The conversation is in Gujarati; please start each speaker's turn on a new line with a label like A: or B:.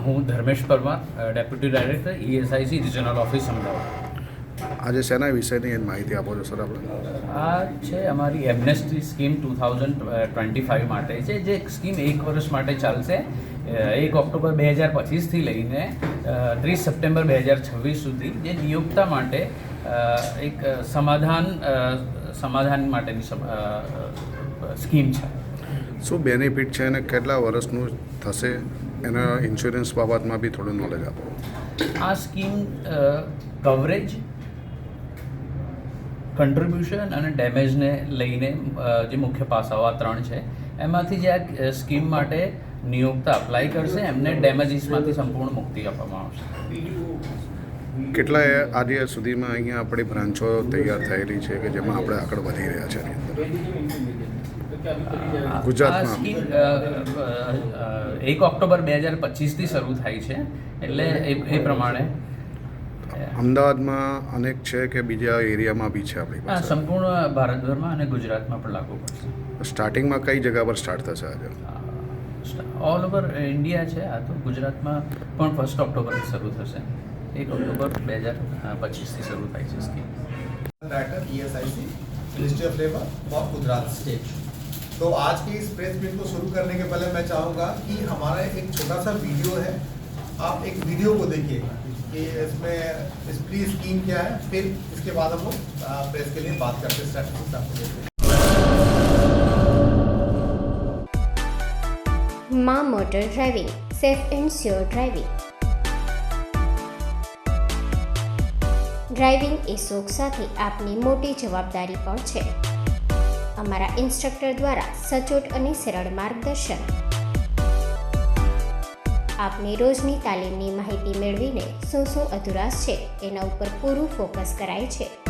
A: હું Dharmesh Parmar, deputy director ESIC regional office Ahmedabad.
B: આજે શેના વિષયની માહિતી આપો છો સર આપણે?
A: આ છે અમારી એમનેસ્ટી સ્કીમ 2025 માટે છે, જે સ્કીમ 1 વર્ષ માટે ચાલશે. 1 ઓક્ટોબર 2025થી લઈને 30 સપ્ટેમ્બર 2026 સુધી, જે નિયોક્તા માટે એક સમાધાન માટેની સ્કીમ છે.
B: શું બેનિફિટ છે અને કેટલા વર્ષનું થશે એના ઇન્સ્યોરન્સ બાબતમાં બી થોડું નોલેજ આપો.
A: આ સ્કીમ કવરેજ, કન્ટ્રીબ્યુશન અને ડેમેજને લઈને જે મુખ્ય પાસાઓ આ 3 છે, એમાંથી જે આ સ્કીમ માટે નિયોક્તા અપ્લાય કરશે એમને ડેમેજીસમાંથી સંપૂર્ણ મુક્તિ આપવામાં આવશે.
B: કેટલા આજે સુધીમાં અહીંયા આપણી બ્રાન્ચો તૈયાર થયેલી છે કે જેમાં આપણે આગળ વધી રહ્યા છે એની અંદર? ગુજરાતમાં
A: આ સ્કીમ 1 ઓક્ટોબર 2025થી શરૂ થાય છે, એટલે એ પ્રમાણે
B: અમદાવાદમાં અનેક છે કે બીજા એરિયામાં બી છે આપણી પાસે?
A: સંપૂર્ણ ભારતભરમાં અને ગુજરાતમાં પણ લાગુ પડશે.
B: સ્ટાર્ટિંગમાં કઈ જગ્યા પર સ્ટાર્ટ થશે આજે?
A: ઓલ ઓવર ઇન્ડિયા છે. આ તો ગુજરાતમાં પણ 1 ઓક્ટોબરથી શરૂ થશે. 1 ઓक्टूबर 2025 શરૂ થાય છે scheme.
C: Director ESIC ministry of labour और गुजरात स्टेट. तो आज की इस प्रेस मीट को शुरू करने के पहले मैं चाहूँगा कि हमारा एक छोटा सा वीडियो है, आप एक वीडियो को देखिएगा कि इसमें इस प्री स्कीम क्या है, फिर इसके बाद हम लोग प्रेस के लिए बात करते हैं. स्टार्ट आपको
D: माँ motor driving, safe and sure driving. Driving એ શોખ સાથે આપની મોટી જવાબદારી પણ છે. અમારા ઇન્સ્ટ્રક્ટર દ્વારા સચોટ અને સરળ માર્ગદર્શન. આપની રોજની તાલીમની માહિતી મેળવીને શું અધુરાશ છે એના ઉપર પૂરું ફોકસ કરાય છે.